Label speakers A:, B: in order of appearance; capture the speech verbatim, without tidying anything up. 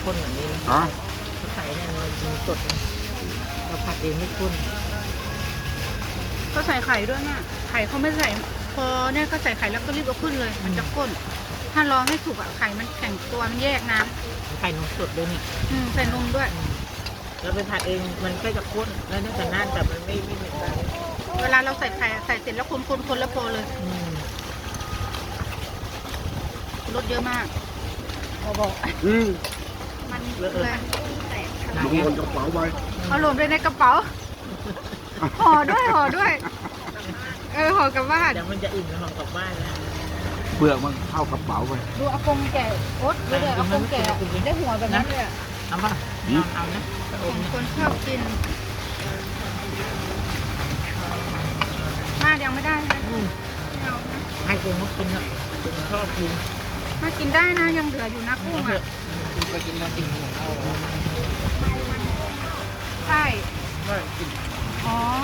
A: ข้นแบบนี้
B: อ๋อ
A: เขาใส่เนี่ยมันมันสดนะเราผัดเองไม่ข้น
C: ก็ใส่ไข่ด้วยแม่ไข่เขาไม่ใส่พอเนี่ยก็ใส่ไข่แล้วก็รีบเอาขึ้นเลย มันจะข้น ถ้ารอให้สุกอะไข่มันแข็งตัวมันแยกน้
A: ไข่นมสดด้วยนี่
C: ำอืมใส่นมด้วย
A: เราไปผัดเองมันก็จะข้นแล้วน่าจะน่านแต่มันไม่ไม่เหมือนกัน
C: เวลาเราใส่ไข่อะใส่เสร็จแล้วคนคนคนแล้วพอเลย
A: อืม
C: รสเยอะมากพอบอก
B: อืม
C: มันเลย
B: ลงบนกระเป๋าไป
C: เอารวมด้วยในกระเป๋าห่อด้วยห่อด้วย เออห่อกลับบ้าน
A: เดี๋ยวมันจะอิ่มแล้วห่อกลับบ้านนะ
B: เปลือกมันเข้ากระเป๋าไป
C: ดูอากงแก่โอ๊ตดูเลยอากงแก่ได้หัวแบบนั้นเลยอะ
A: เอาป่ะเอาเอานะไปอ
C: ผม ม
A: นะ
C: คนชอบกิน มากยังไม่ได้นะ
A: อืม
C: ไม่เอานะ
A: ให้คุณเขากินเถอะคุณชอบกิน
C: มากินได้นะยังเหลืออยู่นะกุ้ง
A: เอาเถ
C: อ่ะ
A: อะคุณไปกินมากินของเขาเหรอ
C: ใช่
A: ไม่กิน
C: อ๋อ